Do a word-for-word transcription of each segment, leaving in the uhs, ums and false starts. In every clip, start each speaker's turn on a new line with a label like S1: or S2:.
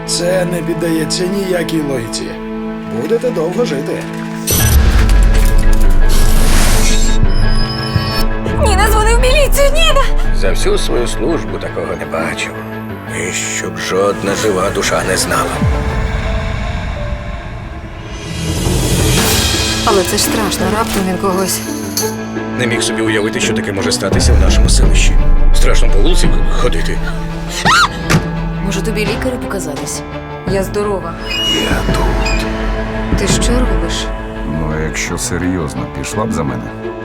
S1: Це не піддається ніякій логіці. Будете довго жити.
S2: Ніна дзвонив в міліцію, Ніна!
S3: За всю свою службу такого не бачив. І щоб жодна жива душа не знала.
S2: Але це ж страшно, раптом він когось.
S3: Не міг собі уявити, що таке може статися в нашому селищі. Страшно по вулиці ходити.
S2: Може, тобі лікарю показатись? Я здорова.
S3: Я тут.
S2: Ти що робиш?
S4: Ну, а якщо серйозно, пішла б за мене.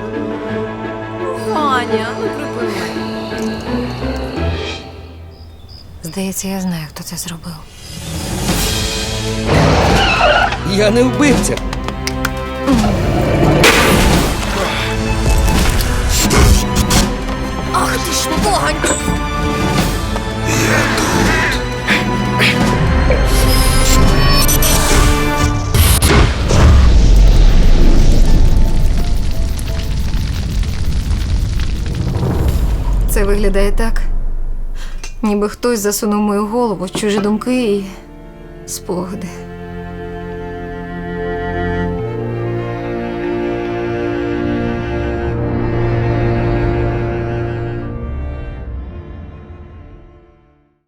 S2: Ваня, ну припини. Здається, я знаю, хто це зробив.
S3: Я не вбивця.
S2: Ах ти ж погань! Це виглядає так, ніби хтось засунув мою голову в чужі думки і спогади.